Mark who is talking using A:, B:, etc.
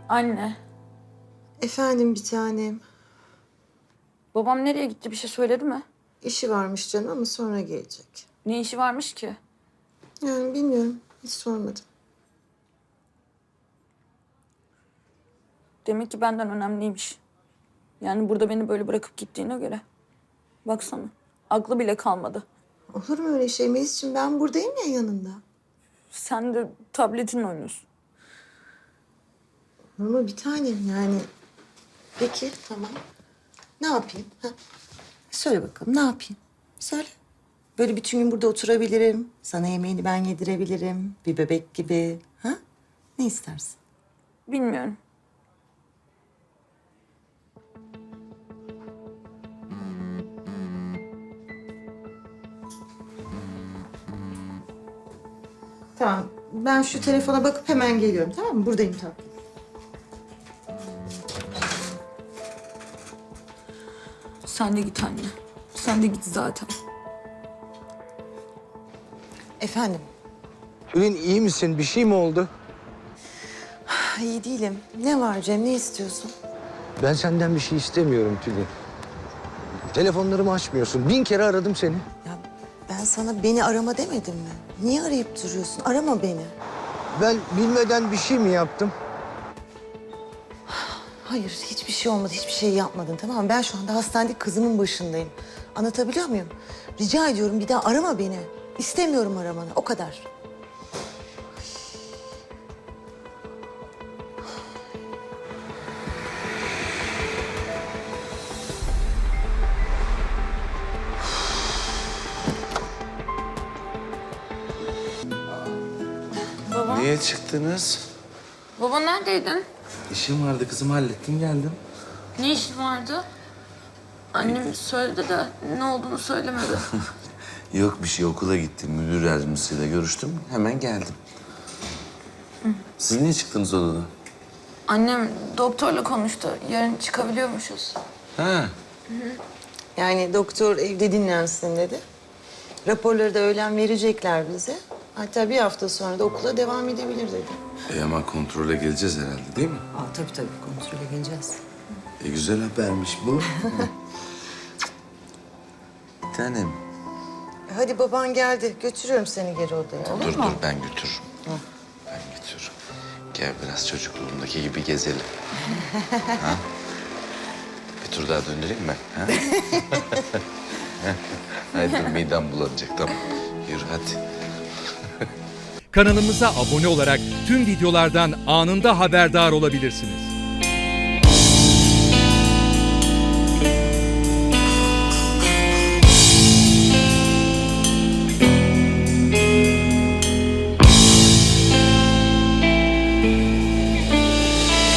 A: Anne,
B: Efendim bir tanem.
A: babam nereye gitti, bir şey söyledi mi?
B: İşi varmış canım ama sonra gelecek.
A: Ne işi varmış ki?
B: Yani bilmiyorum. Hiç sormadım.
A: Demek ki benden önemliymiş. Yani burada beni böyle bırakıp gittiğine göre. Baksana, aklı bile kalmadı.
B: Olur mu öyle şey Melis'ciğim? Ben buradayım ya yanında.
A: Sen de tabletinle oynuyorsun.
B: Olur mu bir tanem yani? Peki tamam. Ne yapayım? Ha? Söyle bakalım ne yapayım? Söyle. Böyle bütün gün burada oturabilirim. Sana yemeğini ben yedirebilirim. Bir bebek gibi. Ha? Ne istersin?
A: Bilmiyorum.
B: Tamam. Ben şu telefona bakıp hemen geliyorum tamam mı? Buradayım tatlım.
A: Sen de git anne. Sen de git zaten.
B: Efendim?
C: Tülin iyi misin? Bir şey mi oldu?
B: İyi değilim. Ne var Cem? Ne istiyorsun?
C: Ben senden bir şey istemiyorum Tülin. Telefonlarımı açmıyorsun. 1000 kere aradım seni.
B: Ya ben sana beni arama demedim mi? Niye arayıp duruyorsun? Arama beni.
C: Ben bilmeden bir şey mi yaptım?
B: Hayır, hiçbir şey olmadı. Hiçbir şey yapmadın tamam mı? Ben şu anda hastanede kızımın başındayım. Anlatabiliyor muyum? Rica ediyorum bir daha arama beni. İstemiyorum aramanı. O kadar.
A: Baba,
D: Niye çıktınız?
A: baba neredeydin?
D: İşim vardı kızım, hallettim geldim.
A: Ne işin vardı? Annem söyledi de ne olduğunu söylemedi.
D: Yok bir şey, okula gittim. Müdür yardımcısıyla görüştüm. Hemen geldim. Siz niye çıktınız odadan?
A: Annem doktorla konuştu. Yarın çıkabiliyormuşuz.
D: Ha,
B: Yani doktor evde dinlensin dedi. Raporları da öğlen verecekler bize. Hatta bir hafta sonra da okula devam edebilir dedi.
D: ama kontrole geleceğiz herhalde değil mi?
B: Tabii kontrole geleceğiz.
D: Güzel habermiş bu. Bir tanem.
B: Hadi baban geldi. Götürüyorum seni geri odaya. Olur
D: Dur
B: mu?
D: dur, ben götürürüm. Ben götürürüm. Gel biraz çocukluğumdaki gibi gezelim. Ha? Bir tur daha döndüreyim mi? Ha? Hadi dur, midem bulanacak, tamam. Yürü hadi.
E: Kanalımıza abone olarak tüm videolardan anında haberdar olabilirsiniz.